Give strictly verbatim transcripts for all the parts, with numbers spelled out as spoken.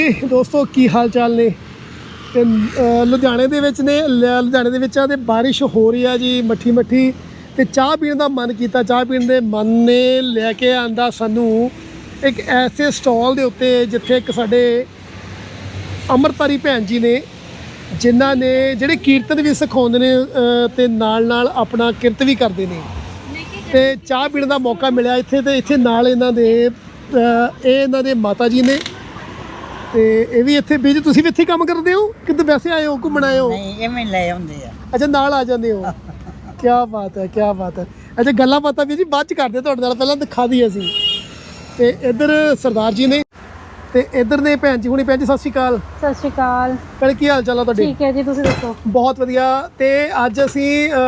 ਦੋਸਤੋ ਕੀ ਹਾਲ ਚਾਲ ਨੇ ਤੇ ਲੁਧਿਆਣੇ ਦੇ ਵਿੱਚ ਨੇ ਲੁਧਿਆਣੇ ਦੇ ਵਿੱਚ ਆ ਤੇ ਬਾਰਿਸ਼ ਹੋ ਰਹੀ ਆ ਜੀ ਮੱਠੀ ਮੱਠੀ ਤੇ ਚਾਹ ਪੀਣ ਦਾ ਮਨ ਕੀਤਾ ਚਾਹ ਪੀਣ ਦੇ ਮਨ ਨੇ ਲੈ ਕੇ ਆਂਦਾ ਸਾਨੂੰ ਇੱਕ ਐਸੇ ਸਟਾਲ ਦੇ ਉੱਤੇ ਜਿੱਥੇ ਇੱਕ ਸਾਡੇ ਅੰਮ੍ਰਿਤਧਾਰੀ ਭੈਣ ਜੀ ਨੇ ਜਿਨ੍ਹਾਂ ਨੇ ਜਿਹੜੇ ਕੀਰਤਨ ਵੀ ਸਿਖਾਉਂਦੇ ਨੇ ਤੇ ਨਾਲ ਨਾਲ ਆਪਣਾ ਕਿਰਤ ਵੀ ਕਰਦੇ ਨੇ ਤੇ ਚਾਹ ਪੀਣ ਦਾ ਮੌਕਾ ਮਿਲਿਆ ਇੱਥੇ ਤੇ ਇੱਥੇ ਨਾਲ ਇਹਨਾਂ ਦੇ ਇਹ ਇਹਨਾਂ ਦੇ ਮਾਤਾ ਜੀ ਨੇ ਤੇ ਇਹ ਵੀ ਇੱਥੇ ਵੀ ਤੁਸੀਂ ਵੀ ਇੱਥੇ ਕੰਮ ਕਰਦੇ ਹੋ ਕਿਤੇ ਵੈਸੇ ਆਏ ਹੋ ਘੁੰਮਣ ਆਏ ਹੋ ਨਹੀਂ ਐਵੇਂ ਲੈ ਆਉਂਦੇ ਆ ਅੱਛਾ ਨਾਲ ਆ ਜਾਂਦੇ ਹੋ ਕੀ ਬਾਤ ਹੈ ਕੀ ਬਾਤ ਹੈ ਅੱਛਾ ਗੱਲਾਂ ਬਾਤਾਂ ਵੀ ਜੀ ਬਾਅਦ ਚ ਕਰਦੇ ਤੁਹਾਡੇ ਨਾਲ ਪਹਿਲਾਂ ਦਿਖਾ ਦਈਏ ਅਸੀਂ ਤੇ ਇੱਧਰ ਸਰਦਾਰ ਜੀ ਨੇ ਤੇ ਇੱਧਰ ਨੇ ਭੈਣ ਜੀ ਹੁਣੀ ਭੈਣ ਜੀ ਸਤਿ ਸ਼੍ਰੀ ਅਕਾਲ ਸਤਿ ਸ਼੍ਰੀ ਅਕਾਲ ਭੈਣ ਕੀ ਹਾਲ ਚਾਲ ਆ ਤੁਹਾਡੇ ਠੀਕ ਹੈ ਜੀ ਤੁਸੀਂ ਦੱਸੋ ਬਹੁਤ ਵਧੀਆ ਤੇ ਅੱਜ ਅਸੀਂ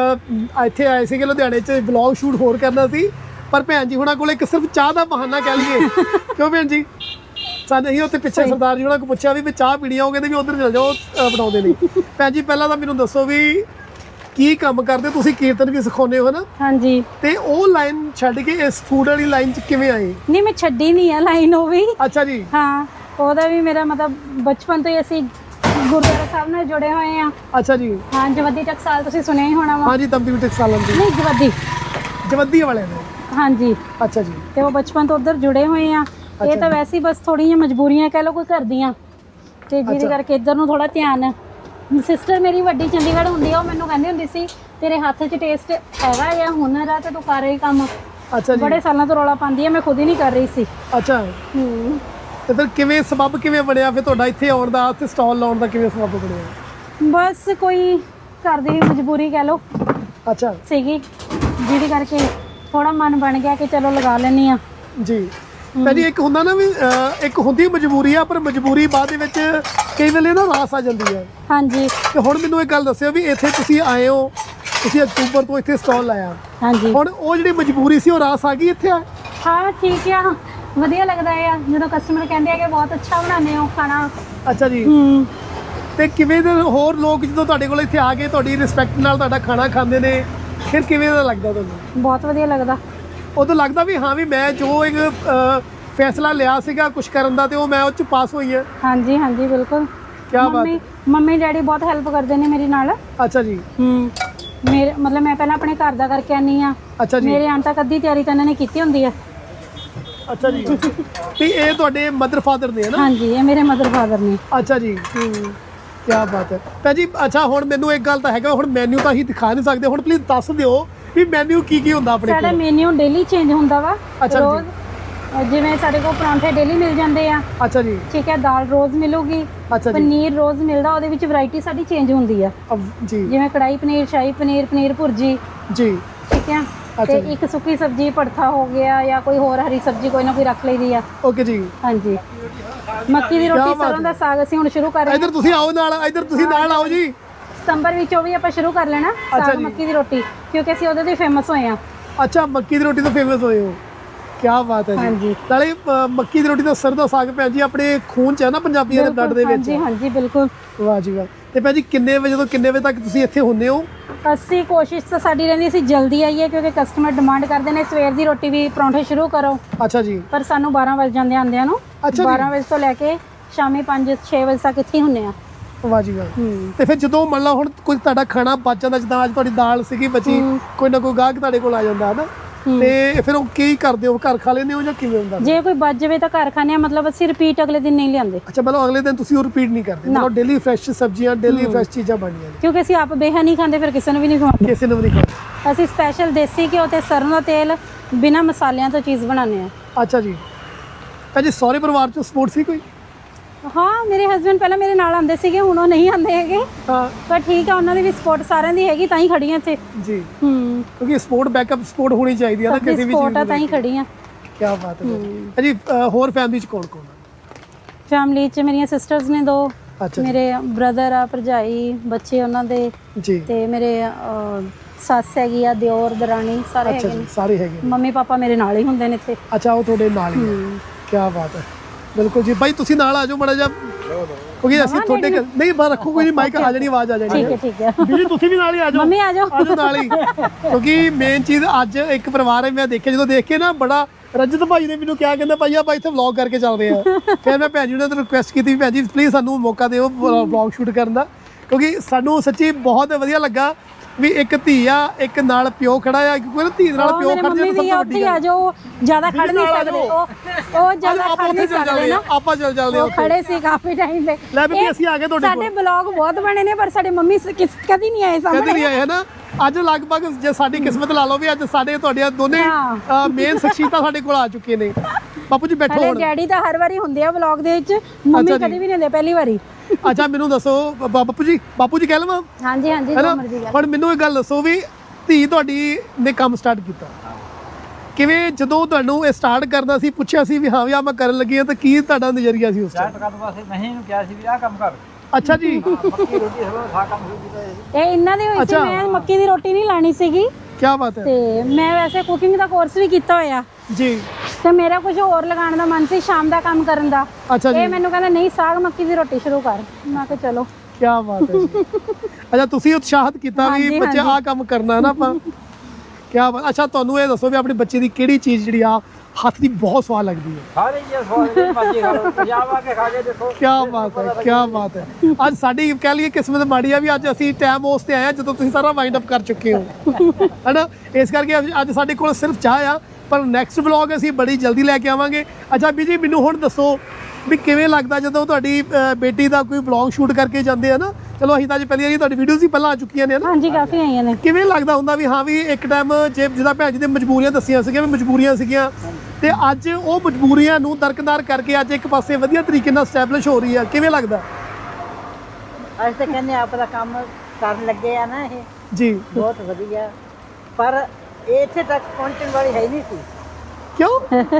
ਇੱਥੇ ਆਏ ਸੀਗੇ ਲੁਧਿਆਣੇ 'ਚ ਵਲੌਗ ਸ਼ੂਟ ਹੋਰ ਕਰਨਾ ਸੀ ਪਰ ਭੈਣ ਜੀ ਹੁਣਾਂ ਕੋਲ ਇੱਕ ਸਿਰਫ ਚਾਹ ਦਾ ਬਹਾਨਾ ਕਹਿ ਲਈਏ ਕਿਉਂ ਭੈਣ ਜੀ ਸਾਨੂੰ ਅਸੀਂ ਉੱਥੇ ਪਿੱਛੇ ਸਰਦਾਰ ਜੀ ਉਹਨਾਂ ਕੋਲ ਪੁੱਛਿਆ ਵੀ ਵੀ ਚਾਹ ਪੀਣੀ ਆ ਉਹ ਕਹਿੰਦੇ ਵੀ ਉੱਧਰ ਚਲ ਜਾਓ ਬਣਾਉਂਦੇ ਨੇ ਭੈਣ ਜੀ ਪਹਿਲਾਂ ਤਾਂ ਮੈਨੂੰ ਦੱਸੋ ਵੀ ਕੀ ਕੰਮ ਕਰਦੇ ਤੁਸੀਂ ਕੀਰਤਨ ਵੀ ਸਿਖਾਉਂਦੇ ਹੋ ਨਾ ਹਾਂਜੀ ਤੇ ਉਹ ਲਾਈਨ ਛੱਡ ਕੇ ਇਸ ਫੂਡ ਵਾਲੀ ਲਾਈਨ 'ਚ ਕਿਵੇਂ ਆਏ ਨਹੀਂ ਮੈਂ ਛੱਡੀ ਨਹੀਂ ਆ ਲਾਈਨ ਉਹ ਵੀ ਅੱਛਾ ਜੀ ਹਾਂ ਉਹਦਾ ਵੀ ਮੇਰਾ ਮਤਲਬ ਬਚਪਨ ਤੋਂ ਹੀ ਅਸੀਂ ਗੁਰਦੁਆਰਾ ਸਾਹਿਬ ਨਾਲ ਜੁੜੇ ਹੋਏ ਆ ਅੱਛਾ ਜੀ ਹਾਂ ਜਵੱਦੀ ਟਕਸਾਲ ਤੁਸੀਂ ਸੁਣਿਆ ਹੀ ਹੋਣਾ ਵਾ ਹਾਂ ਜੀ ਤੰਬੀ ਟਕਸਾਲ ਦੀ ਨਹੀਂ ਜਵੱਦੀ ਜਵੱਦੀ ਵਾਲੇ ਨੇ ਹਾਂਜੀ ਅੱਛਾ ਜੀ ਤੇ ਉਹ ਬਚਪਨ ਤੋਂ ਉੱਧਰ ਜੁੜੇ ਹੋਏ ਆ ਇਹ ਤਾਂ ਵੈਸੇ ਹੀ ਬਸ ਥੋੜੀਆਂ ਮਜਬੂਰੀਆਂ ਕਹਿ ਲਓ ਕੋਈ ਘਰ ਦੀਆਂ ਤੇ ਜਿਹਦੇ ਕਰਕੇ ਇੱਧਰ ਨੂੰ ਥੋੜਾ ਧਿਆਨ ਸਿਸਟਰ ਮੇਰੀ ਵੱਡੀ ਚੰਡੀਗੜ੍ਹ ਹੁੰਦੀ ਆ ਉਹ ਮੈਨੂੰ ਕਹਿੰਦੀ ਹੁੰਦੀ ਸੀ ਤੇਰੇ ਹੱਥ 'ਚ ਟੇਸਟ ਹੈਗਾ ਜਾਂ ਹੁਨਰ ਆ ਤੇ ਤੂੰ ਕਰ ਰਹੀ ਕੰਮ ਅੱਛਾ ਜੀ ਬੜੇ ਸਾਲਾਂ ਤੋਂ ਰੌਲਾ ਪਾਉਂਦੀ ਆ ਮੈਂ ਖੁਦ ਹੀ ਨਹੀਂ ਕਰ ਰਹੀ ਸੀ ਅੱਛਾ ਹੂੰ ਤੇ ਫਿਰ ਕਿਵੇਂ ਸਬਬ ਕਿਵੇਂ ਬਣਿਆ ਫਿਰ ਤੁਹਾਡਾ ਇੱਥੇ ਆਉਣ ਦਾ ਤੇ ਸਟਾਲ ਲਾਉਣ ਦਾ ਕਿਵੇਂ ਸਬਬ ਬਣਿਆ ਬਸ ਕੋਈ ਘਰ ਦੀ ਮਜਬੂਰੀ ਕਹਿ ਲਓ ਅੱਛਾ ਸੀਗੀ ਜਿਹਦੇ ਕਰਕੇ ਥੋੜਾ ਮਨ ਬਣ ਗਿਆ ਕਿ ਚਲੋ ਲਗਾ ਲੈਣੀ ਆ ਜੀ ਭਾਜੀ ਇੱਕ ਹੁੰਦਾ ਨਾ ਵੀ ਇੱਕ ਹੁੰਦੀ ਮਜਬੂਰੀ ਆ ਪਰ ਮਜਬੂਰੀ ਬਾਅਦ ਦੇ ਵਿੱਚ ਕਈ ਵੇਲੇ ਨਾ ਰਾਸ ਆ ਜਾਂਦੀ ਹੈ ਹਾਂਜੀ ਤੇ ਹੁਣ ਮੈਨੂੰ ਇੱਕ ਗੱਲ ਦੱਸਿਓ ਵੀ ਇੱਥੇ ਤੁਸੀਂ ਆਏ ਹੋ ਤੁਸੀਂ ਅਕਤੂਬਰ ਤੋਂ ਇੱਥੇ ਸਟਾਲ ਲਾਇਆ ਹਾਂਜੀ ਹੁਣ ਉਹ ਜਿਹੜੀ ਮਜਬੂਰੀ ਸੀ ਉਹ ਰਾਸ ਆ ਗਈ ਇੱਥੇ ਆ ਹਾਂ ਠੀਕ ਆ ਵਧੀਆ ਲੱਗਦਾ ਆ ਜਦੋਂ ਕਸਟਮਰ ਕਹਿੰਦੇ ਆ ਕਿ ਬਹੁਤ ਅੱਛਾ ਬਣਾਉਂਦੇ ਹੋ ਖਾਣਾ ਅੱਛਾ ਜੀ ਹੂੰ ਤੇ ਕਿਵੇਂ ਦੇ ਹੋਰ ਲੋਕ ਜਦੋਂ ਤੁਹਾਡੇ ਕੋਲ ਇੱਥੇ ਆ ਕੇ ਤੁਹਾਡੀ ਰਿਸਪੈਕਟ ਨਾਲ ਤੁਹਾਡਾ ਖਾਣਾ ਖਾਂਦੇ ਨੇ ਫਿਰ ਕਿਵੇਂ ਦਾ ਲੱਗਦਾ ਤੁਹਾਨੂੰ ਬਹੁਤ ਵਧੀਆ ਲੱਗਦਾ ਉਦੋਂ ਲੱਗਦਾ ਵੀ ਹਾਂ ਵੀ ਮੈਂ ਜੋ ਇੱਕ ਫੈਸਲਾ ਲਿਆ ਸੀਗਾ ਕੁਝ ਕਰਨ ਦਾ ਤੇ ਉਹ ਮੈਂ ਉਹ 'ਚ ਪਾਸ ਹੋਈ ਹੈ ਹਾਂਜੀ ਹਾਂਜੀ ਬਿਲਕੁਲ ਕੀ ਬਾਤ ਮੰਮੀ ਮੰਮੀ ਡੈਡੀ ਬਹੁਤ ਹੈਲਪ ਕਰਦੇ ਨੇ ਮੇਰੀ ਨਾਲ ਅੱਛਾ ਜੀ ਹੂੰ ਮੇਰੇ ਮਤਲਬ ਮੈਂ ਪਹਿਲਾਂ ਆਪਣੇ ਘਰ ਦਾ ਕਰਕੇ ਆਨੀ ਆ ਅੱਛਾ ਜੀ ਮੇਰੇ ਆਉਣ ਤੱਕ ਅੱਧੀ ਤਿਆਰੀ ਤਾਂ ਇਹਨਾਂ ਨੇ ਕੀਤੀ ਹੁੰਦੀ ਆ ਅੱਛਾ ਜੀ ਤੇ ਇਹ ਤੁਹਾਡੇ ਮਦਰ ਫਾਦਰ ਨੇ ਨਾ ਹਾਂਜੀ ਇਹ ਮੇਰੇ ਮਦਰ ਫਾਦਰ ਨੇ ਅੱਛਾ ਜੀ ਹੂੰ ਕੀ ਬਾਤ ਹੈ ਭੈਣ ਜੀ ਅੱਛਾ ਹੁਣ ਮੈਨੂੰ ਇੱਕ ਗੱਲ ਤਾਂ ਹੈਗਾ ਹੁਣ ਮੈਨੂ ਤਾਂ ਅਸੀਂ ਦਿਖਾ ਨਹੀਂ ਸਕਦੇ ਹੁਣ ਪਲੀਜ਼ ਦੱਸ ਦਿਓ ਵੀ ਮੈਨੂ ਕੀ ਕੀ ਹੁੰਦਾ ਆਪਣੇ ਕੋਲ ਸਾਡਾ ਮੈਨੂ ਡੇਲੀ ਚੇਂਜ ਹੁੰਦਾ ਵਾ ਅੱਛਾ ਜੀ ਰੋਜ਼ ਜਿਵੇਂ ਸਾਡੇ ਕੋਲ ਪਰਾਂਠੇ ਡੇਲੀ ਮਿਲ ਜਾਂਦੇ ਆ ਅੱਛਾ ਜੀ ਠੀਕ ਹੈ ਦਾਲ ਰੋਜ਼ ਮਿਲੂਗੀ ਅੱਛਾ ਜੀ ਪਨੀਰ ਰੋਜ਼ ਮਿਲਦਾ ਉਹਦੇ ਵਿੱਚ ਵੈਰਾਈਟੀ ਸਾਡੀ ਚੇਂਜ ਹੁੰਦੀ ਆ ਜੀ ਜਿਵੇਂ ਕੜਾਈ ਪਨੀਰ ਸ਼ਾਹੀ ਪਨੀਰ ਪਨੀਰ ਭੁਰਜੀ ਜੀ ਠੀਕ ਹੈ ਤੇ ਇੱਕ ਸੁੱਕੀ ਸਬਜ਼ੀ ਭੜਥਾ ਹੋ ਗਿਆ ਜਾਂ ਕੋਈ ਹੋਰ ਹਰੀ ਸਬਜ਼ੀ ਕੋਈ ਨਾ ਕੋਈ ਰੱਖ ਲਈਦੀ ਆ ਓਕੇ ਜੀ ਹਾਂਜੀ ਮੱਕੀ ਦੀ ਰੋਟੀ ਸਰੋਂ ਦਾ ਸਾਗ ਅਸੀਂ ਹੁਣ ਸ਼ੁਰੂ ਕਰ ਰਹੇ ਹਾਂ ਇੱਧਰ ਤੁਸੀਂ ਆਓ ਨਾਲ ਇੱਧਰ ਤੁਸੀਂ ਨਾਲ ਆਓ ਜੀ ਸਤੰਬਰ ਵਿੱਚ ਉਹ ਵੀ ਆਪਾਂ ਸ਼ੁਰੂ ਕਰ ਲੈਣਾ ਸਾਗ ਮੱਕੀ ਦੀ ਰੋਟੀ ਕਿਉਂਕਿ ਅਸੀਂ ਉਹਦੇ ਤੋਂ ਫੇਮਸ ਹੋਏ ਆ ਅੱਛਾ ਮੱਕੀ ਦੀ ਰੋਟੀ ਤੋਂ ਫੇਮਸ ਹੋਏ ਹੋ ਕੀ ਬਾਤ ਹੈ ਜੀ ਨਾਲੇ ਮੱਕੀ ਦੀ ਰੋਟੀ ਦਾ ਸਰੋਂ ਦਾ ਸਾਗ ਭੈਣ ਜੀ ਆਪਣੇ ਖੂਨ 'ਚ ਹੈ ਨਾ ਪੰਜਾਬੀਆਂ ਦੇ ਬਲੱਡ ਦੇ ਵਿੱਚ ਹਾਂਜੀ ਹਾਂਜੀ ਬਿਲਕੁਲ ਵਾਹ ਜੀ ਵਾਹ ਤੇ ਭੈਣ ਜੀ ਕਿੰਨੇ ਵਜੇ ਤੋਂ ਕਿੰਨੇ ਵਜੇ ਤੱਕ ਤੁਸੀਂ ਇੱਥੇ ਹੁੰਦੇ ਹੋ ਅਸੀਂ ਕੋਸ਼ਿਸ਼ ਤਾਂ ਸਾਡੀ ਰਹਿੰਦੀ ਅਸੀਂ ਜਲਦੀ ਆਈਏ ਕਿਉਂਕਿ ਕਸਟਮਰ ਡਿਮਾਂਡ ਕਰਦੇ ਨੇ ਸਵੇਰ ਦੀ ਰੋਟੀ ਵੀ ਪਰੌਂਠੇ ਸ਼ੁਰੂ ਕਰੋ ਅੱਛਾ ਜੀ ਪਰ ਸਾਨੂੰ ਬਾਰਾਂ ਵਜੇ ਜਾਂਦੇ ਆਂਦਿਆਂ ਨੂੰ ਬਾਰਾਂ ਵਜੇ ਤੋਂ ਲੈ ਕੇ ਸ਼ਾਮੀ ਪੰਜ ਛੇ ਵਜੇ ਤੱਕ ਇੱਥੇ ਹੁੰਨੇ ਆ ਵਾਹ ਜੀ ਵਾਹ ਤੇ ਫਿਰ ਜਦੋਂ ਮੰਨ ਲਾ ਹੁਣ ਕੋਈ ਤੁਹਾਡਾ ਖਾਣਾ ਬਚ ਜਾਂਦਾ ਜਿੱਦਾਂ ਅੱਜ ਤੁਹਾਡੀ ਦਾਲ ਸੀਗੀ ਬਚੀ ਕੋਈ ਨਾ ਕੋਈ ਗਾਹਕ ਤੁਹਾਡੇ ਕੋਲ ਆ ਜਾਂਦਾ ਹੈ ਨਾ ਤੇ ਫਿਰ ਉਹ ਕੀ ਕਰਦੇ ਹੋ ਘਰ ਖਾ ਲੈਂਦੇ ਹੋ ਜਾਂ ਕਿਵੇਂ ਹੁੰਦਾ ਜੇ ਕੋਈ ਬਚ ਜਾਵੇ ਤਾਂ ਘਰ ਖਾਣੇ ਆ ਮਤਲਬ ਅਸੀਂ ਰਿਪੀਟ ਅਗਲੇ ਦਿਨ ਨਹੀਂ ਲਿਆਂਦੇ ਅੱਛਾ ਮਤਲਬ ਅਗਲੇ ਦਿਨ ਤੁਸੀਂ ਉਹ ਰਿਪੀਟ ਨਹੀਂ ਕਰਦੇ ਮਤਲਬ ਡੇਲੀ ਫਰੈਸ਼ ਸਬਜ਼ੀਆਂ ਡੇਲੀ ਫਰੈਸ਼ ਚੀਜ਼ਾਂ ਬਣਦੀਆਂ ਨੇ ਕਿਉਂਕਿ ਅਸੀਂ ਆਪ ਬੇਹਾ ਨਹੀਂ ਖਾਂਦੇ ਫਿਰ ਕਿਸੇ ਨੂੰ ਵੀ ਨਹੀਂ ਖਵਾਉਂਦੇ ਕਿਸੇ ਨੂੰ ਵੀ ਨਹੀਂ ਖਾਂਦੇ ਅਸੀਂ ਸਪੈਸ਼ਲ ਦੇਸੀ ਘਿਓ ਤੇ ਸਰੋਂ ਦਾ ਤੇਲ ਬਿਨਾਂ ਮਸਾਲਿਆਂ ਤੋਂ ਚੀਜ਼ ਬਣਾਉਂਦੇ ਆ ਅੱਛਾ ਜੀ ਭਾਜੀ ਸਾਰੇ ਪਰਿਵਾਰ ਚ ਸਪੋਰਟ ਸੀ ਕੋਈ ਹਾਂ ਮੇਰੇ ਹਸਬੰਡ ਪਹਿਲਾਂ ਮੇਰੇ ਨਾਲ ਆਉਂਦੇ ਸੀਗੇ ਹੁਣ ਉਹ ਨਹੀਂ ਆਉਂਦੇ ਹੈਗੇ ਹਾਂ ਪਰ ਠੀਕ ਆ ਉਹਨਾਂ ਦੀ ਵੀ ਸਪੋਰਟ ਸਾਰਿਆਂ ਦੀ ਹੈਗੀ ਤਾਂ ਹੀ ਖੜੀਆਂ ਇੱਥੇ ਜੀ ਹੂੰ ਕਿਉਂਕਿ ਸਪੋਰਟ ਬੈਕਅਪ ਸਪੋਰਟ ਹੋਣੀ ਚਾਹੀਦੀ ਹੈ ਨਾ ਕਿਸੇ ਵੀ ਚੀਜ਼ ਸਪੋਰਟ ਆ ਤਾਂ ਹੀ ਖੜੀਆਂ ਕੀ ਬਾਤ ਹੈ ਭਾਜੀ ਹੋਰ ਫੈਮਿਲੀ ਚ ਕੌਣ ਕੌਣ ਹੈ ਫੈਮਿਲੀ ਚ ਮੇਰੀਆਂ ਸਿਸਟਰਸ ਨੇ ਦੋ ਮੇਰੇ ਬ੍ਰਦਰ ਆ ਭਰਜਾਈ ਬੱਚੇ ਉਹਨਾਂ ਦੇ ਜੀ ਤੇ ਮੇਰੇ ਸੱਸ ਹੈਗੀ ਆ ਦਿਓਰ ਦਰਾਣੀ ਸਾਰੇ ਹੈਗੇ ਨੇ ਸਾਰੇ ਹੈਗੇ ਮੰਮੀ ਪਾਪਾ ਮੇਰੇ ਨਾਲ ਹੀ ਹੁੰਦੇ ਨੇ ਇੱਥੇ ਅੱਛਾ ਉਹ ਤੁਹਾਡੇ ਨਾਲ ਹੀ ਕੀ ਬਾਤ ਹੈ ਬਿਲਕੁਲ ਜੀ ਭਾਈ ਤੁਸੀਂ ਨਾਲ ਆ ਜਾਓ ਮਾੜਾ ਜਿਹਾ ਕਿਉਂਕਿ ਅਸੀਂ ਤੁਹਾਡੇ ਨਹੀਂ ਬਾਹਰ ਰੱਖੋ ਕੋਈ ਨਹੀਂ ਮਾਈਕ ਆ ਜਾਣੀ ਆਵਾਜ਼ ਆ ਜਾਣੀ ਠੀਕ ਹੈ ਠੀਕ ਹੈ ਵੀਰੇ ਤੁਸੀਂ ਵੀ ਨਾਲ ਹੀ ਆ ਜਾਓ ਮੰਮੀ ਆ ਜਾਓ ਆ ਜਾਓ ਨਾਲ ਹੀ ਕਿਉਂਕਿ ਮੇਨ ਚੀਜ਼ ਅੱਜ ਇੱਕ ਪਰਿਵਾਰ ਹੈ ਮੈਂ ਦੇਖਿਆ ਜਦੋਂ ਦੇਖ ਕੇ ਨਾ ਬੜਾ ਰਜਤ ਭਾਈ ਨੇ ਮੈਨੂੰ ਕਿਹਾ ਕਹਿੰਦਾ ਭਾਈ ਆਪਾਂ ਇੱਥੇ ਵਲੌਗ ਕਰਕੇ ਚੱਲਦੇ ਆ ਫਿਰ ਮੈਂ ਭੈਣ ਜੀ ਨੂੰ ਰਿਕੁਐਸਟ ਕੀਤੀ ਵੀ ਭੈਣ ਜੀ ਪਲੀਜ਼ ਸਾਨੂੰ ਮੌਕਾ ਦਿਓ ਵਲੌਗ ਸ਼ੂਟ ਕਰਨ ਦਾ ਕਿਉਂਕਿ ਸਾਨੂੰ ਸੱਚੀ ਬਹੁਤ ਵਧੀਆ ਲੱਗਾ ਵੀ ਇੱਕ ਧੀ ਆ ਇੱਕ ਨਾਲ ਪਿਓ ਖੜਾ ਆ ਕਿਉਂਕਿ ਧੀ ਨਾਲ ਪਿਓ ਖੜ ਜਾਣ ਸਭ ਤੋਂ ਵੱਡੀ ਆ ਜੋ ਜ਼ਿਆਦਾ ਖੜ ਨਹੀਂ ਸਕਦੇ ਉਹ ਉਹ ਜ਼ਿਆਦਾ ਖੜ ਨਹੀਂ ਸਕਦੇ ਨਾ ਆਪਾਂ ਚੱਲ ਚੱਲਦੇ ਉਹ ਖੜੇ ਸੀ ਕਾਫੀ ਟਾਈਮ ਤੇ ਲੈ ਵੀ ਅਸੀਂ ਆ ਗਏ ਤੁਹਾਡੇ ਕੋਲ ਸਾਡੇ ਬਲੌਗ ਬਹੁਤ ਬਣੇ ਨੇ ਪਰ ਸਾਡੇ ਮੰਮੀ ਕਦੀ ਨਹੀਂ ਆਏ ਸਾਹਮਣੇ ਕਦੀ ਨਹੀਂ ਆਏ ਹੈ ਨਾ ਅੱਜ ਲਗਭਗ ਜੇ ਸਾਡੀ ਕਿਸਮਤ ਲਾ ਲਓ ਵੀ ਅੱਜ ਸਾਡੇ ਤੁਹਾਡੀਆਂ ਦੋਨੇ ਮੇਨ ਸ਼ਖਸੀਅਤਾਂ ਸਾਡੇ ਕੋਲ ਆ ਚੁੱਕੇ ਨੇ ਬਾਪੂ ਜੀ ਬੈਠੋ ਹੁਣ ਡੈਡੀ ਤਾਂ ਹਰ ਵਾਰੀ ਹੁੰਦੇ ਆ ਵਲੌਗ ਦੇ ਵਿੱਚ ਮੰਮੀ ਕਦੀ ਵੀ ਨਹੀਂ ਹੁੰਦੇ ਪਹਿਲੀ ਵਾਰੀ ਅੱਛਾ ਮੈਨੂੰ ਦੱਸੋ ਬਾਪੂ ਜੀ ਬਾਪੂ ਜੀ ਕਹਿ ਲਵਾਂ ਹਾਂਜੀ ਹਾਂਜੀ ਜੋ ਮਰਜ਼ੀ ਗੱਲ ਹੁਣ ਮੈਨੂੰ ਇਹ ਗੱਲ ਦੱਸੋ ਵੀ ਧੀ ਤੁਹਾਡੀ ਨੇ ਕੰਮ ਸਟਾਰਟ ਕੀਤਾ ਕਿਵੇਂ ਜਦੋਂ ਤੁਹਾਨੂੰ ਇਹ ਸਟਾਰਟ ਕਰਨਾ ਸੀ ਪੁੱਛਿਆ ਸੀ ਵੀ ਹਾਂ ਵੀ ਆ ਮੈਂ ਕਰਨ ਲੱਗੀ ਆ ਤਾਂ ਕੀ ਤੁਹਾਡਾ ਨਜ਼ਰੀਆ ਸੀ ਉਸ ਸਟਾਰਟ ਕਰਨ ਵਾਸਤੇ ਮੈਂ ਇਹਨੂੰ ਕਿਹਾ ਸੀ ਵੀ ਆਹ ਕੰਮ ਕਰ ਅੱਛਾ ਜੀ ਮੱਕੀ ਰੋਟੀ ਸਰੋਂ ਖਾ ਕੰਮ ਸ਼ੁਰੂ ਕੀਤਾ ਇਹ ਇਹਨਾਂ ਦੀ ਹੋਈ ਸੀ ਮੈਂ ਮੱਕੀ ਦੀ ਰੋਟੀ ਨਹੀਂ ਲਾਣੀ ਸੀਗੀ ਕੀ ਬਾਤ ਹੈ ਤੇ ਮੈਂ ਵੈਸੇ ਕੁਕਿੰਗ ਦਾ ਕੋਰਸ ਵੀ ਕੀਤਾ ਹੋਇਆ ਜੀ ਤੇ ਮੇਰਾ ਕੁਝ ਹੋਰ ਲਗਾਉਣ ਦਾ ਮਨ ਸੀ ਸ਼ਾਮ ਦਾ ਕੰਮ ਕਰਨ ਦਾ ਅੱਛਾ ਜੀ ਇਹ ਮੈਨੂੰ ਕਹਿੰਦਾ ਨਹੀਂ ਸਾਗ ਮੱਕੀ ਦੀ ਰੋਟੀ ਸ਼ੁਰੂ ਕਰ ਮੈਂ ਕਿਹਾ ਚਲੋ ਕੀ ਬਾਤ ਹੈ ਜੀ ਅੱਛਾ ਤੁਸੀਂ ਉਤਸ਼ਾਹਿਤ ਕੀਤਾ ਵੀ ਬੱਚੇ ਆਹ ਕੰਮ ਕਰਨਾ ਨਾ ਆਪਾਂ ਕੀ ਬਾਤ ਅੱਛਾ ਤੁਹਾਨੂੰ ਇਹ ਦੱਸੋ ਵੀ ਆਪਣੇ ਬੱਚੇ ਦੀ ਕਿਹੜੀ ਚੀਜ਼ ਜਿਹੜੀ ਆ ਹੱਥ ਦੀ ਬਹੁਤ ਸਵਾਦ ਲੱਗਦੀ ਹੈ ਸਾਰੇ ਇਹ ਸਵਾਦ ਦੇ ਮਰਜ਼ੀ ਖਾ ਲਓ ਪੰਜਾਬ ਆ ਕੇ ਖਾ ਕੇ ਦੇਖੋ ਕੀ ਬਾਤ ਹੈ ਕੀ ਬਾਤ ਹੈ ਅੱਜ ਸਾਡੀ ਕਹਿ ਲਈਏ ਕਿਸਮਤ ਮਾੜੀ ਆ ਵੀ ਅੱਜ ਅਸੀਂ ਟਾਈਮ ਉਸ ਤੇ ਆਏ ਆ ਜਦੋਂ ਤੁਸੀਂ ਸਾਰਾ ਵਾਈਂਡ ਅਪ ਕਰ ਚੁੱਕੇ ਹੋ ਹੈਨਾ ਇਸ ਕਰਕੇ ਅੱਜ ਸਾਡੇ ਕੋਲ ਸਿਰਫ ਚਾਹ ਆ ਪਰ ਨੈਕਸਟ ਵਲੌਗ ਅਸੀਂ ਬੜੀ ਜਲਦੀ ਲੈ ਕੇ ਆਵਾਂਗੇ ਅੱਛਾ ਵੀ ਜੀ ਮੈਨੂੰ ਹੁਣ ਦੱਸੋ ਵੀ ਕਿਵੇਂ ਲੱਗਦਾ ਜਦੋਂ ਤੁਹਾਡੀ ਬੇਟੀ ਦਾ ਕੋਈ ਵਲੌਗ ਸ਼ੂਟ ਕਰਕੇ ਜਾਂਦੇ ਆ ਨਾ ਚਲੋ ਅਸੀਂ ਤਾਂ ਅੱਜ ਪਹਿਲੀ ਵਾਰੀ ਤੁਹਾਡੀ ਵੀਡੀਓਜ਼ ਹੀ ਪਹਿਲਾਂ ਆ ਚੁੱਕੀਆਂ ਨੇ ਨਾ ਹਾਂਜੀ ਕਾਫੀ ਆਈਆਂ ਨੇ ਕਿਵੇਂ ਲੱਗਦਾ ਹੁੰਦਾ ਵੀ ਹਾਂ ਵੀ ਇੱਕ ਟਾਈਮ ਜੇ ਜਿਹਦਾ ਭੈਣ ਜੀ ਦੇ ਮਜਬੂਰੀਆਂ ਦੱਸੀਆਂ ਸੀਗੀਆਂ ਵੀ ਮਜਬੂਰੀਆਂ ਸੀਗੀਆਂ ਤੇ ਅੱਜ ਉਹ ਮਜਬੂਰੀਆਂ ਨੂੰ ਦਰਕਿਨਾਰ ਕਰਕੇ ਅੱਜ ਇੱਕ ਪਾਸੇ ਵਧੀਆ ਤਰੀਕੇ ਨਾਲ ਸਟੈਬਲਿਸ਼ ਹੋ ਰਹੀ ਆ ਕਿਵੇਂ ਲੱਗਦਾ ਅਸੀਂ ਤਾਂ ਕਹਿੰਦੇ ਆਪ ਦਾ ਕੰਮ ਕਰਨ ਲੱਗੇ ਆ ਨਾ ਇਹ ਜੀ ਬਹੁਤ ਵਧੀਆ ਪਰ ਇੱਥੇ ਤੱਕ ਪਹੁੰਚਣ ਵਾਲੀ ਹੈ ਨਹੀਂ ਸੀ ਕਿਉਂ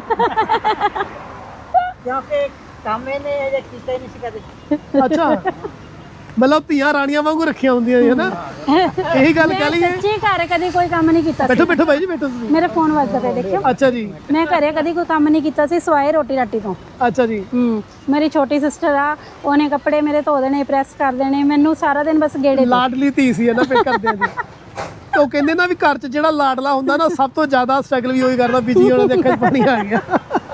ਕਿਉਂਕਿ ਕੰਮ ਇਹਨੇ ਅਜੇ ਕੀਤਾ ਹੀ ਨਹੀਂ ਸੀ ਕਦੇ ਅੱਛਾ ਮਤਲਬ ਧੀਆਂ ਰਾਣੀਆਂ ਵਾਂਗੂ ਰੱਖੀਆਂ ਹੁੰਦੀਆਂ ਹੈ ਨਾ ਇਹੀ ਗੱਲ ਕਹਿ ਲਈਏ ਸੱਚੀ ਘਰ ਕਦੀ ਕੋਈ ਕੰਮ ਨਹੀਂ ਕੀਤਾ ਬੈਠੋ ਬੈਠੋ ਭਾਈ ਜੀ ਬੈਠੋ ਤੁਸੀਂ ਮੇਰੇ ਫੋਨ ਵੱਜਦਾ ਪਿਆ ਦੇਖਿਓ ਅੱਛਾ ਜੀ ਮੈਂ ਘਰੇ ਕਦੀ ਕੋਈ ਕੰਮ ਨਹੀਂ ਕੀਤਾ ਸੀ ਸਵਾਏ ਰੋਟੀ ਰਾਟੀ ਤੋਂ ਅੱਛਾ ਜੀ ਹੂੰ ਮੇਰੀ ਛੋਟੀ ਸਿਸਟਰ ਆ ਉਹਨੇ ਕੱਪੜੇ ਮੇਰੇ ਧੋ ਦੇਣੇ ਪ੍ਰੈਸ ਕਰ ਦੇਣੇ ਮੈਨੂੰ ਸਾਰਾ ਦਿਨ ਬਸ ਗੇੜੇ ਲਾਡਲੀ ਧੀ ਸੀ ਹੈ ਨਾ ਫਿਰ ਕਰਦਿਆਂ ਦੀ ਉਹ ਕਹਿੰਦੇ ਨਾ ਵੀ ਘਰ 'ਚ ਜਿਹੜਾ ਲਾਡਲਾ ਹੁੰਦਾ ਨਾ ਸਭ ਤੋਂ ਜ਼ਿਆਦਾ ਸਟਰਗਲ ਵੀ ਉਹੀ ਕਰਦਾ ਬੀਜੀ ਉਹਨਾਂ ਦੇ ਅੱਖਾਂ 'ਚ ਪਾਣੀ ਆ ਗਿਆ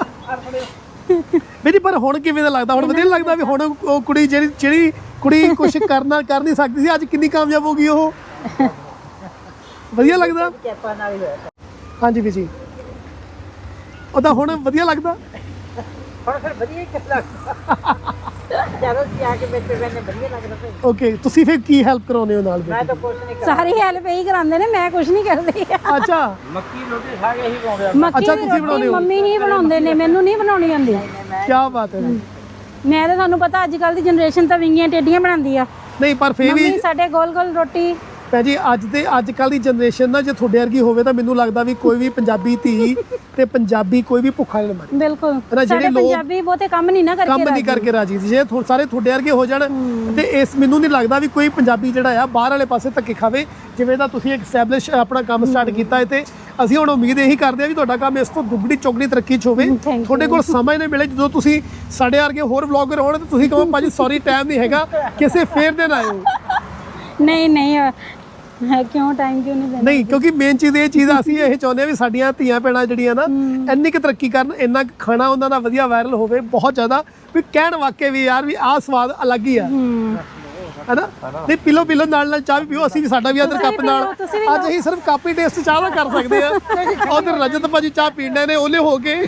ਮੇਰੀ ਪਰ ਹੁਣ ਕਿਵੇਂ ਦਾ ਲੱਗਦਾ ਹੁਣ ਵਧੀਆ ਲੱਗਦਾ ਵੀ ਹੁਣ ਉਹ ਕੁੜੀ ਜਿਹੜੀ ਜਿਹੜੀ ਕੁੜੀ ਕੁਝ ਕਰਨਾ ਕਰ ਨਹੀਂ ਸਕਦੀ ਸੀ ਅੱਜ ਕਿੰਨੀ ਕਾਮਯਾਬ ਹੋ ਗਈ ਉਹ ਵਧੀਆ ਲੱਗਦਾ ਕਿਰਪਾ ਨਾਲ ਹੀ ਹੋਇਆ ਹਾਂਜੀ ਵੀ ਜੀ ਉਹਦਾ ਹੁਣ ਵਧੀਆ ਲੱਗਦਾ ਹੁਣ ਫਿਰ ਵਧੀਆ ਹੀ ਲੱਗਦਾ ਜਦੋਂ ਸੀ ਆ ਕੇ ਬੈਠੇ ਬੈਠੇ ਵਧੀਆ ਲੱਗਦਾ ਫਿਰ ਓਕੇ ਤੁਸੀਂ ਫਿਰ ਕੀ ਹੈਲਪ ਕਰਾਉਂਦੇ ਹੋ ਨਾਲ ਮੈਂ ਤਾਂ ਕੁਛ ਨਹੀਂ ਕਰਦਾ ਸਾਰੀ ਹੈਲਪ ਇਹੀ ਕਰਾਉਂਦੇ ਨੇ ਮੈਂ ਕੁਝ ਨਹੀਂ ਕਰਦੀ ਅੱਛਾ ਮੱਕੀ ਰੋਟੀ ਖਾ ਕੇ ਹੀ ਪਾਉਂਦੇ ਆ ਮੱਕੀ ਅੱਛਾ, ਦੀ ਤੁਸੀਂ ਬਣਾਉਂਦੇ ਰੋਟੀ ਹੋ? ਮੰਮੀ ਹੀ ਬਣਾਉਂਦੇ ਨੇ ਮੈਨੂੰ ਨਹੀਂ ਬਣਾਉਣੀ ਆਉਂਦੀ ਕੀ ਬਾਤ ਹੈ ਮੈਂ ਤਾਂ ਤੁਹਾਨੂੰ ਪਤਾ ਅੱਜ ਕੱਲ ਦੀ ਜਨਰੇਸ਼ਨ ਤਾਂ ਵਿੰਗੀਆਂ ਟੇਡੀਆਂ ਬਣਾਉਂਦੀ ਆ ਨਹੀਂ ਪਰ ਫੇਰ ਵੀ ਮੰਮੀ ਸਾਡੇ ਗੋਲ ਗੋਲ ਰੋਟੀ ਭੈਣ ਜੀ ਅੱਜ ਦੇ ਅੱਜ ਕੱਲ ਦੀ ਜਨਰੇਸ਼ਨ ਨਾ ਜੇ ਤੁਹਾਡੇ ਵਰਗੀ ਹੋਵੇ ਤਾਂ ਮੈਨੂੰ ਲੱਗਦਾ ਵੀ ਕੋਈ ਵੀ ਪੰਜਾਬੀ ਧੀ ਤੇ ਪੰਜਾਬੀ ਕੋਈ ਵੀ ਭੁੱਖਾ ਨਹੀਂ ਮਰੇ ਬਿਲਕੁਲ ਜਿਹੜੇ ਸਾਡੇ ਲੋਕ ਪੰਜਾਬੀ ਬਹੁਤੇ ਕੰਮ ਨਹੀਂ ਨਾ ਕਰਕੇ ਕੰਮ ਨਹੀਂ ਰਾਜੀ। ਕਰਕੇ ਰਾਜੀ ਜੇ ਥੋ- ਸਾਰੇ ਤੁਹਾਡੇ ਵਰਗੇ ਹੋ ਜਾਣ ਤੇ ਇਸ ਮੈਨੂੰ ਨਹੀਂ ਲੱਗਦਾ ਵੀ ਕੋਈ ਪੰਜਾਬੀ ਜਿਹੜਾ ਆ ਬਾਹਰ ਵਾਲੇ ਪਾਸੇ ਧੱਕੇ ਖਾਵੇ ਜਿਵੇਂ ਦਾ ਤੁਸੀਂ ਇੱਕ ਐਸਟੈਬਲਿਸ਼ ਆਪਣਾ ਕੰਮ ਸਟਾਰਟ ਕੀਤਾ ਹੈ ਤੇ ਅਸੀਂ ਹੁਣ ਉਮੀਦ ਇਹੀ ਕਰਦੇ ਆ ਵੀ ਤੁਹਾਡਾ ਕੰਮ ਇਸ ਤੋਂ ਦੁੱਗਣੀ ਚੌਗਣੀ ਤਰੱਕੀ 'ਚ ਹੋਵੇ Thank you. ਤੁਹਾਡੇ ਕੋਲ ਸਮਾਂ ਹੀ ਨਹੀਂ ਮਿਲੇ ਜਦੋਂ ਤੁਸੀਂ ਸਾਡੇ ਵਰਗੇ ਹੋਰ ਵਲੌਗਰ ਹੋਣ ਤੇ ਤੁਸੀਂ ਕਹੋ ਭਾਜੀ ਸੌਰੀ ਟਾਈਮ ਨਹੀਂ ਹੈਗਾ ਕਿਸੇ ਫੇਰ ਦਿਨ ਆਇਓ ਨਹੀਂ ਨਹੀਂ ਹੈ ਕਿਉਂ ਟਾਈਮ ਕਿਉਂ ਨਹੀਂ ਦੇਣਾ ਨਹੀਂ ਕਿਉਂਕਿ ਮੇਨ ਚੀਜ਼ ਇਹ ਚੀਜ਼ ਅਸੀਂ ਇਹ ਚਾਹੁੰਦੇ ਆ ਵੀ ਸਾਡੀਆਂ ਧੀਆਂ ਭੈਣਾਂ ਜਿਹੜੀਆਂ ਨਾ ਇੰਨੀ ਕੁ ਤਰੱਕੀ ਕਰਨ ਇੰਨਾ ਕੁ ਖਾਣਾ ਉਹਨਾਂ ਦਾ ਵਧੀਆ ਵਾਇਰਲ ਹੋਵੇ ਬਹੁਤ ਜ਼ਿਆਦਾ ਵੀ ਕਹਿਣ ਵਾਕੇ ਵੀ ਯਾਰ ਵੀ ਆਹ ਸਵਾਦ ਅਲੱਗ ਹੀ ਆ ਹੈਨਾ ਨਹੀਂ ਪੀਲੋ ਪੀਲੋ ਨਾਲ ਨਾਲ ਚਾਹ ਵੀ ਪੀਓ ਅਸੀਂ ਵੀ ਸਾਡਾ ਵੀ ਅਦਰ ਕੱਪ ਨਾਲ ਤੁਸੀਂ ਵੀ ਅੱਜ ਅਸੀਂ ਸਿਰਫ ਕੱਪ ਹੀ ਟੇਸਟ ਚਾਹ ਦਾ ਕਰ ਸਕਦੇ ਆ ਉਧਰ ਰਜਤ ਭਾਜੀ ਚਾਹ ਪੀਂਦੇ ਨੇ ਉਹਲੇ ਹੋ ਕੇ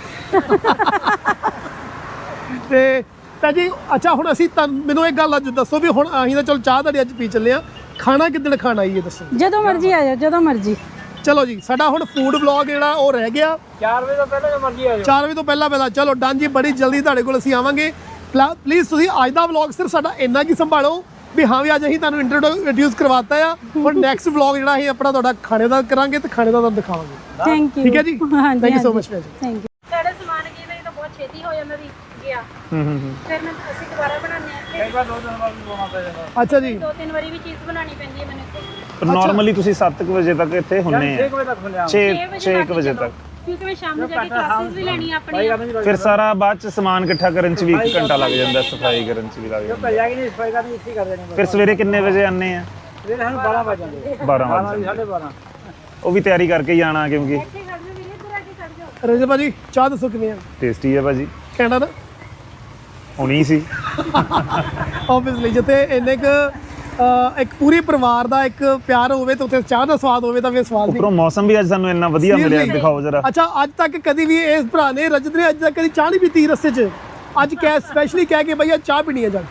ਤੇ ਤਾਂ ਜੀ ਅੱਛਾ ਹੁਣ ਅਸੀਂ ਤੁਹਾਨੂੰ ਮੈਨੂੰ ਇੱਕ ਗੱਲ ਅੱਜ ਦੱਸੋ ਵੀ ਹੁਣ ਅਸੀਂ ਤਾਂ ਚਲੋ ਚਾਹ ਤੁਹਾਡੀ ਅੱਜ ਪੀ ਚੱਲੇ ਆ ਖਾਣਾ ਕਿੱਦਣ ਖਾਣਾ ਇਹ ਦੱਸੋ ਜਦੋਂ ਮਰਜ਼ੀ ਆ ਜਾਓ ਜਦੋਂ ਮਰਜ਼ੀ ਚਲੋ ਜੀ ਸਾਡਾ ਹੁਣ ਫੂਡ ਵਲੌਗ ਜਿਹੜਾ ਉਹ ਰਹਿ ਗਿਆ ਚਾਰ ਵਜੇ ਤੋਂ ਪਹਿਲਾਂ ਜੋ ਮਰਜ਼ੀ ਆ ਜਾਓ ਚਾਰ ਵਜੇ ਤੋਂ ਪਹਿਲਾਂ ਪਹਿਲਾਂ ਚਲੋ ਡਨ ਜੀ ਬੜੀ ਜਲਦੀ ਤੁਹਾਡੇ ਕੋਲ ਅਸੀਂ ਆਵਾਂਗੇ ਪਲੀਜ਼ ਤੁਸੀਂ ਅੱਜ ਦਾ ਵਲੌਗ ਸਿਰਫ ਸਾਡਾ ਇੰਨਾ ਕੀ ਸੰਭਾਲੋ ਵੀ ਹਾਂ ਵੀ ਅੱਜ ਅਸੀਂ ਤੁਹਾਨੂੰ ਇੰਟਰੋਡਿਊਸ ਕਰਵਾਤਾ ਆ ਹੁਣ ਨੈਕਸਟ ਵਲੌਗ ਜਿਹੜਾ ਅਸੀਂ ਆਪਣਾ ਤੁਹਾਡਾ ਖਾਣੇ ਦਾ ਕਰਾਂਗੇ ਤੇ ਖਾਣੇ ਦਾ ਤੁਹਾਨੂੰ ਦਿਖਾਵਾਂਗੇ ਥੈਂਕ ਯੂ ਠੀਕ ਹੈ ਜੀ ਹਾਂਜੀ ਥੈਂਕ ਯੂ ਸੋ ਮਚ ਜੀ ਥੈਂਕ ਯੂ ਸਾਡੇ ਸਮਾਨ ਕੀ ਨਹੀਂ ਤਾਂ ਬਹੁਤ ਛੇਤੀ ਹੋ ਜਾਂਦਾ ਵੀ ਗਿਆ ਹੂੰ ਹੂੰ ਹੂੰ ਫਿਰ ਮੈਂ ਅਸੀਂ ਦੁਬਾਰਾ ਬਣਾਉਂਦੇ ਆ ਕਈ ਵਾਰ ਦੋ ਦਿਨ ਬਾਅਦ ਵੀ ਬਣਾਉਣਾ ਪੈ ਜਾਂਦਾ ਅੱਛਾ ਜੀ ਦੋ ਤਿੰਨ ਵਾਰੀ ਵੀ ਚੀਜ਼ ਬਣਾਉਣੀ ਪੈਂਦੀ ਹੈ ਮੈਨੂੰ ਇੱਥੇ ਨਾਰਮਲੀ ਤੁਸੀਂ ਸੱਤ ਕੁ ਵਜੇ ਤੱਕ ਇੱਥੇ ਹੁੰਨੇ ਛੇ ਆ ਕੁ ਵਜੇ ਤੱਕ ਮਿਲਿਆ ਛੇ ਛੇ ਛੇ ਕੁ ਵਜੇ ਤੱਕ ਕਿਉਂਕਿ ਮੈਂ ਸ਼ਾਮ ਨੂੰ ਜਾ ਕੇ ਕਲਾਸਿਸ ਵੀ ਲੈਣੀ ਆਪਣੀ ਫਿਰ ਸਾਰਾ ਬਾਅਦ ਚ ਸਮਾਨ ਇਕੱਠਾ ਕਰਨ ਚ ਵੀ ਇੱਕ ਘੰਟਾ ਲੱਗ ਜਾਂਦਾ ਸਫਾਈ ਕਰਨ ਚ ਵੀ ਲੱਗ ਜਾਂਦਾ ਭਈਆ ਕਿ ਨਹੀਂ ਸਫਾਈ ਕਰਨੀ ਇੱਥੇ ਕਰ ਦੇਣੀ ਫਿਰ ਸਵੇਰੇ ਕਿੰਨੇ ਵਜੇ ਆਨੇ ਆ ਫਿਰ ਸਾਨੂੰ ਬਾਰਾਂ ਵਜੇ ਜਾਂਦੇ ਬਾਰਾਂ ਬਾਰਾਂ ਵਜੇ ਸਾਢੇ ਬਾਰਾਂ ਉਹ ਵੀ ਤਿਆਰੀ ਕਰਕੇ ਹੀ ਆਣਾ ਕਿਉਂਕਿ ਇੱਥੇ ਖੜ ਜਾਓ ਵੀਰੇ ਇੱਧਰ ਆ ਕੇ ਖੜ ਜਾਓ ਰਜਤ ਭਾਜੀ ਚਾਹ ਦੱਸੋ ਕਿਵੇਂ ਆ? ਟੇਸਟੀ ਹੈ ਭਾਜੀ, ਕਹਿਣਾ ਨਾ ਹੁਣੀ ਸੀ। ਆਬਵੀਅਸਲੀ ਜਿੱਥੇ ਇੰਨੇ ਕੁ ਅਹ, ਇੱਕ ਪੂਰੇ ਪਰਿਵਾਰ ਦਾ ਇੱਕ ਪਿਆਰ ਹੋਵੇ ਤੇ ਉੱਥੇ ਚਾਹ ਦਾ ਸਵਾਦ ਹੋਵੇ ਤਾਂ ਫਿਰ ਸਵਾਦ ਨਹੀਂ। ਉੱਪਰੋਂ ਮੌਸਮ ਵੀ ਅੱਜ ਸਾਨੂੰ ਇੰਨਾ ਵਧੀਆ ਮਿਲਿਆ, Seriously? ਦਿਖਾਓ ਜਰਾ। ਅੱਛਾ ਅੱਜ ਤੱਕ ਕਦੀ ਵੀ ਇਸ ਭਰਾ ਨੇ ਰਜਤ ਨੇ ਅੱਜ ਤੱਕ ਕਦੀ ਚਾਹ ਨਹੀਂ ਪੀਤੀ ਰਸਤੇ 'ਚ, ਅੱਜ ਕਹਿ ਸਪੈਸ਼ਲੀ ਕਹਿ ਕੇ ਭਈਆ ਚਾਹ ਪੀਣੀ ਹੈ ਜਾ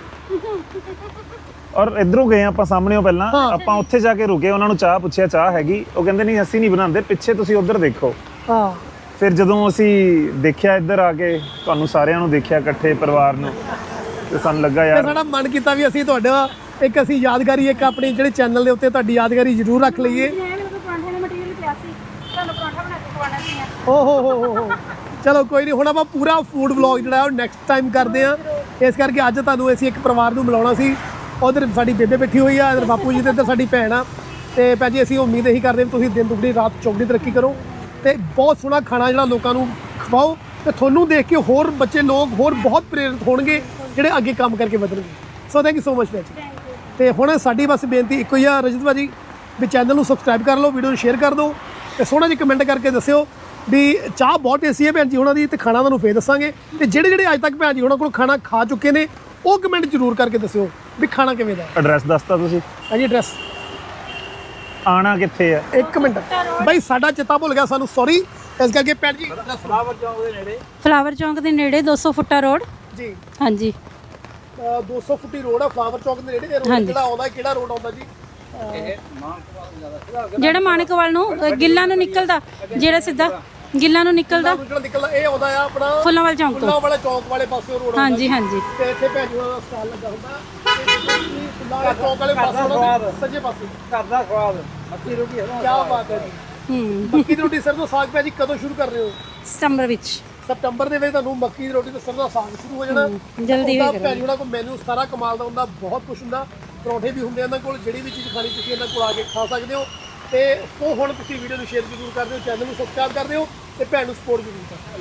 ਔਰ ਇਧਰੋਂ ਗਏ ਆਪਾਂ ਸਾਹਮਣੇੋਂ ਪਹਿਲਾਂ, ਹਾਂ। ਆਪਾਂ ਉੱਥੇ ਜਾ ਕੇ ਰੁਕੇ, ਉਹਨਾਂ ਨੂੰ ਚਾਹ ਪੁੱਛਿਆ ਚਾਹ ਹੈਗੀ, ਉਹ ਕਹਿੰਦੇ ਨਹੀਂ ਅਸੀਂ ਨਹੀਂ ਬਣਾਉਂਦੇ, ਪਿੱਛੇ ਤੁਸੀਂ ਉਧਰ ਦੇਖੋ। ਹਾਂ ਫਿਰ ਜਦੋਂ ਅਸੀਂ ਦੇਖਿਆ ਇੱਧਰ ਆ ਕੇ, ਤੁਹਾਨੂੰ ਸਾਰਿਆਂ ਨੂੰ ਦੇਖਿਆ ਇਕੱਠੇ ਪਰਿਵਾਰ ਨੂੰ, ਤੇ ਸਾਨੂੰ ਲੱਗਾ ਤੇ ਯਾਰ ਸਾਡਾ ਮਨ ਕੀਤਾ ਵੀ ਅਸੀਂ ਤੁਹਾਡਾ ਇੱਕ ਅਸੀਂ ਯਾਦਗਾਰੀ ਇੱਕ ਆਪਣੇ ਜਿਹੜੇ ਚੈਨਲ ਦੇ ਉੱਤੇ ਤੁਹਾਡੀ ਯਾਦਗਾਰੀ ਜ਼ਰੂਰ ਰੱਖ ਲਈਏ। ਪਰਾਂਠੇ ਦਾ ਮਟੀਰੀਅਲ ਪਿਆ ਸੀ, ਤੁਹਾਨੂੰ ਪਰਾਂਠਾ ਬਣਾ ਕੇ ਖਵਾਉਣਾ ਸੀ। ਓ ਹੋ ਹੋ ਹੋ ਹੋ ਚਲੋ ਕੋਈ ਨਹੀਂ, ਹੁਣ ਆਪਾਂ ਪੂਰਾ ਫੂਡ ਵਲੌਗ ਜਿਹੜਾ ਉਹ ਨੈਕਸਟ ਟਾਈਮ ਕਰਦੇ ਆ। ਇਸ ਕਰਕੇ ਅੱਜ ਤੁਹਾਨੂੰ ਅਸੀਂ ਇੱਕ ਪਰਿਵਾਰ ਨੂੰ ਮਿਲਾਉਣਾ ਸੀ। ਉਧਰ ਸਾਡੀ ਬੇਬੇ ਬੈਠੀ ਹੋਈ ਆ, ਇਧਰ ਬਾਪੂ ਜੀ ਤੇ ਇੱਧਰ ਸਾਡੀ ਭੈਣ ਆ। ਤੇ ਭੈਣ ਜੀ ਅਸੀਂ ਉਮੀਦ ਇਹੀ ਕਰਦੇ ਵੀ ਤੁਸੀਂ ਦਿਨ ਦੁਗਣੀ ਰਾਤ ਚੌਗਣੀ ਤਰੱਕੀ ਕਰੋ ਤੇ ਬਹੁਤ ਸੋਹਣਾ ਖਾਣਾ ਜਿਹੜਾ ਲੋਕਾਂ ਨੂੰ ਖਵਾਓ, ਤੇ ਤੁਹਾਨੂੰ ਦੇਖ ਕੇ ਹੋਰ ਬੱਚੇ ਲੋਕ ਹੋਰ ਬਹੁਤ ਪ੍ਰੇਰਿਤ ਹੋਣਗੇ ਜਿਹੜੇ ਅੱਗੇ ਕੰਮ ਕਰਕੇ ਵਧਣਗੇ। So thank you so much ਭੈਣ ਜੀ। ਤੇ ਹੁਣ ਸਾਡੀ ਬਸ ਬੇਨਤੀ ਇੱਕੋ ਹੀ ਆ ਰਜਤ ਭਾਜੀ ਵੀ ਚੈਨਲ ਨੂੰ ਸਬਸਕ੍ਰਾਈਬ ਕਰ ਲਓ, ਵੀਡੀਓ ਨੂੰ ਸ਼ੇਅਰ ਕਰ ਦਿਓ ਤੇ ਸੋਹਣਾ ਜਿਹਾ ਕਮੈਂਟ ਕਰਕੇ ਦੱਸਿਓ ਵੀ ਚਾਹ ਬਹੁਤ ਟੇਸਟੀ ਹੈ ਭੈਣ ਜੀ ਉਹਨਾਂ ਦੀ, ਤੇ ਖਾਣਾ ਤੁਹਾਨੂੰ ਫੇਰ ਦੱਸਾਂਗੇ। ਤੇ ਜਿਹੜੇ ਜਿਹੜੇ ਅੱਜ ਤੱਕ ਭੈਣ ਜੀ ਉਹਨਾਂ ਕੋਲ ਖਾਣਾ ਖਾ ਚੁੱਕੇ ਨੇ ਉਹ ਕਮੈਂਟ ਜ਼ਰੂਰ ਕਰਕੇ ਦੱਸਿਓ ਵੀ ਖਾਣਾ ਕਿਵੇਂ ਦਾ। ਐਡਰੈਸ ਦੱਸਤਾ ਤੁਸੀਂ, ਹਾਂਜੀ ਐਡਰੈਸ ਆਣਾ ਕਿੱਥੇ ਆ? ਇੱਕ ਮਿੰਟ ਬਾਈ ਸਾਡਾ ਚਿੱਤਾ ਭੁੱਲ ਗਿਆ ਸਾਨੂੰ, ਸੌਰੀ। ਇਸ ਕਰਕੇ ਭੈਣ ਜੀ ਫਲਾਵਰ ਚੌਂਕ ਦੇ ਨੇੜੇ ਫਲਾਵਰ ਚੌਂਕ ਦੇ ਨੇੜੇ ਦੋ ਸੌ ਫੁੱਟਾ ਰੋਡ। ਜੀ ਹਾਂਜੀ ਅਹ ਦੋ ਸੌ ਫੁੱਟੀ ਰੋਡ ਆ ਫਲਾਵਰ ਚੌਕ ਦੇ ਨੇੜੇ। ਇਹ ਰੋਡ ਹਾਂਜੀ। ਕਿਹੜਾ ਆਉਂਦਾ, ਕਿਹੜਾ ਰੋਡ ਆਉਂਦਾ ਜੀ? ਜਿਹੜਾ ਮਾਨਕਵਾਲ ਨੂੰ ਅ, ਗਿੱਲਾਂ ਨੂੰ ਨਿਕਲਦਾ, ਜਿਹੜਾ ਸਿੱਧਾ ਗਿੱਲਾਂ ਨੂੰ ਨਿਕਲਦਾ ਜਿਹੜਾ ਨਿਕਲਦਾ ਇਹ ਆਉਂਦਾ ਆ ਆਪਣਾ ਫੁੱਲਾਂਵਾਲ ਚੌਂਕ ਤੋਂ। ਫੁੱਲਾਂ ਵਾਲੇ ਚੌਕ ਵਾਲੇ ਪਾਸੇ ਰੋਡ ਆਉਂਦਾ ਹਾਂਜੀ ਜੀ। ਹਾਂਜੀ ਤੇ ਇੱਥੇ ਭੈਣ ਜੀ ਉਹਨਾਂ ਦਾ ਸਟਾਲ ਲੱਗਾ ਹੁੰਦਾ ਤੇ ਫੁੱਲਾਂ ਵਾਲੇ ਚੌਕ ਵਾਲੇ ਪਾਸੇ ਉਹਨਾਂ ਦੇ ਸੱਜੇ ਪਾਸੇ। ਘਰ ਦਾ ਸਵਾਦ ਮੱਕੀ ਰੋਟੀ ਹੈ ਕੀ ਬਾਤ ਹੈ ਜੀ। ਹੂੰ ਮੱਕੀ ਦੀ ਰੋਟੀ ਸਰੋਂ ਦਾ ਸਾਗ ਭੈਣ ਜੀ ਕਦੋਂ ਸ਼ੁਰੂ ਕਰ ਰਹੇ ਹੋ? ਸਤੰਬਰ ਵਿੱਚ ਸਤੰਬਰ ਦੇ ਵਿੱਚ ਤੁਹਾਨੂੰ ਮੱਕੀ ਦੀ ਰੋਟੀ ਤੇ ਸਰੋਂ ਦਾ ਸਾਗ ਸ਼ੁਰੂ ਹੋ ਜਾਣਾ। ਜਲਦੀ ਉਹਦਾ ਹੋਈ ਭੈਣ ਜੀ ਉਹਨਾਂ ਕੋਲ ਮੈਨੂ ਸਾਰਾ ਕਮਾਲ ਦਾ ਹੁੰਦਾ, ਬਹੁਤ ਕੁਝ ਹੁੰਦਾ। ਪਰੌਂਠੇ ਵੀ ਹੁੰਦੇ ਇਹਨਾਂ ਕੋਲ, ਜਿਹੜੀ ਵੀ ਚੀਜ਼ ਖਾਣੀ ਤੁਸੀਂ ਇਹਨਾਂ ਕੋਲ ਆ ਕੇ ਖਾ ਸਕਦੇ ਹੋ। ਤੇ ਉਹ ਹੁਣ ਤੁਸੀਂ ਵੀਡੀਓ ਨੂੰ ਸ਼ੇਅਰ ਜ਼ਰੂਰ ਕਰ ਦਿਓ, ਚੈਨਲ ਨੂੰ ਸਬਸਕ੍ਰਾਈਬ ਕਰ ਦਿਓ ਤੇ ਭੈਣ ਨੂੰ ਸਪੋਰਟ ਜ਼ਰੂਰ ਕਰੋ।